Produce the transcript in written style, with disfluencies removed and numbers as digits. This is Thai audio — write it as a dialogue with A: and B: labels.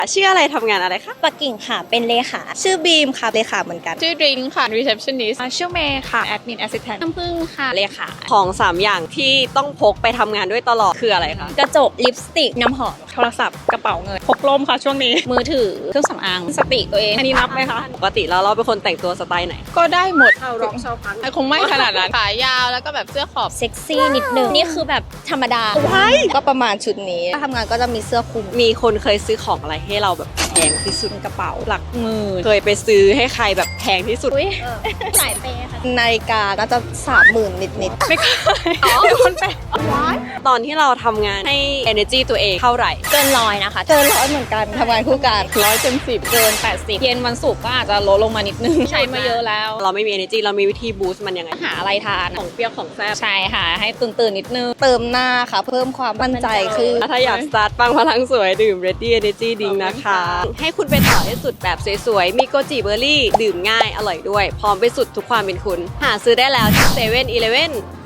A: ชื่ออะไรทำงานอะไรคะ
B: ปักกิ่งค่ะเป็นเลขาชื่อบีมค่ะเลขาเหมือนกัน
C: ชื่อดริงค่ะ receptionist
D: ชื่อเมย์ค่ะ admin assistant
C: น้ำผึ้งค่ะเลขา
A: ของ3อย่างที่ต้องพกไปทำงานด้วยตลอดคืออะไรคะ
B: กระจกลิปสติกน้ำหอม
D: โทรศัพท์กระเป๋าเงินพกล่มค่ะช่วงนี้
C: มือถือเครื่องสำอางสติตัวเอง
D: อันนี้นับไหมคะ
A: ปกติแล้วเราเป็นคนแต่งตัวสไตล์ไหน
C: ก็ได้หมด
D: ชาวร้องชาวพัง
C: แต่คงไม่ขนาดนั้นขายาวแล้วก็แบบเสื้อขอบ
B: เซ็กซี่นิดนึงนี่คือแบบธรรมดาก็ประมาณชุดนี้ถ้าทำงานก็จะมีเสื้อคลุม
A: มีคนเคยซื้อของอะไรให้เราแบบแพงที่สุด
D: กระเป๋าหลักหมื่น
A: เคยไปซื้อให้ใครแบบแพงที่สุด
B: อุ้ยสายเปย์ค่ะนาฬิกาน่าจะ30,000นิด
D: ไม่เคยเป็นคนแปลก
A: ตอนที่เราทำงานให้ energy ตัวเองเท่าไหร่
B: ๆเกิน100นะคะเกิน100เหมือนกันทำงานคู่กัน
C: 100 เต็ม 10เกิน 80 เย็นวันศุกร์ก็อาจจะลดลงมานิดนึงใช้มาเยอะแล้ว
A: เราไม่มี energy เรามีวิธี boost มันยังไง
C: หาอะไรทาน
A: ของเปรี้ยวของแซ่บ
C: ใช่ค่ะ ให้ตื่นนิดนึง
B: เติมหน้าค่ะ เพิ่มความมั่นใจคือ
A: ถ้าอยากสตาร์ทปังพลังสวยดื่ม ready energy drink นะคะ ให้คุณไปต่อให้สุดแบบสวยๆ มีโกจิเบอร์รี่ ดื่มง่ายอร่อยด้วย พร้อมไปสุดทุกความเป็นคุณ หาซื้อได้แล้วที่7-Eleven